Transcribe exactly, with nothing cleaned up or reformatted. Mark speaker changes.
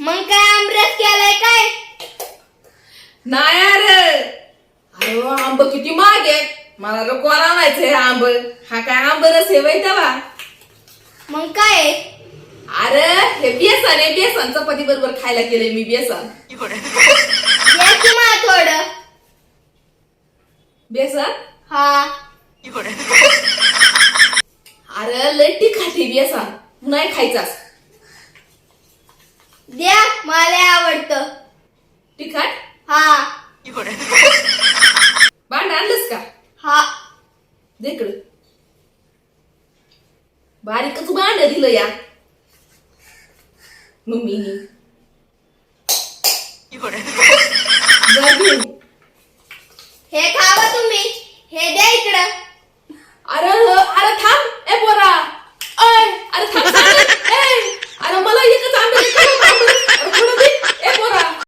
Speaker 1: मग काय आमरस केलाय काय?
Speaker 2: नाही अरे अरे वा, आंब किती महाग आहेत. मला तर कोण आणायचंय आंब. हा काय आंब रस आहे वय तेव्हा.
Speaker 1: मग काय आहे?
Speaker 2: अरे हे बेसन आहे. बेसन चपाती बरोबर खायला केलंय मी बेसन.
Speaker 1: द्या की मला थोडं.
Speaker 2: बेसन
Speaker 1: हा.
Speaker 2: अरे लय तिखट बेसन. तू नाही खायचास.
Speaker 1: द्या, मला आवडतं.
Speaker 2: तिखट
Speaker 1: हा.
Speaker 2: भांड आणलंस का?
Speaker 1: हा.
Speaker 2: देकडं बारीकच भांड दिलं या मम्मीनी. जा घेऊन.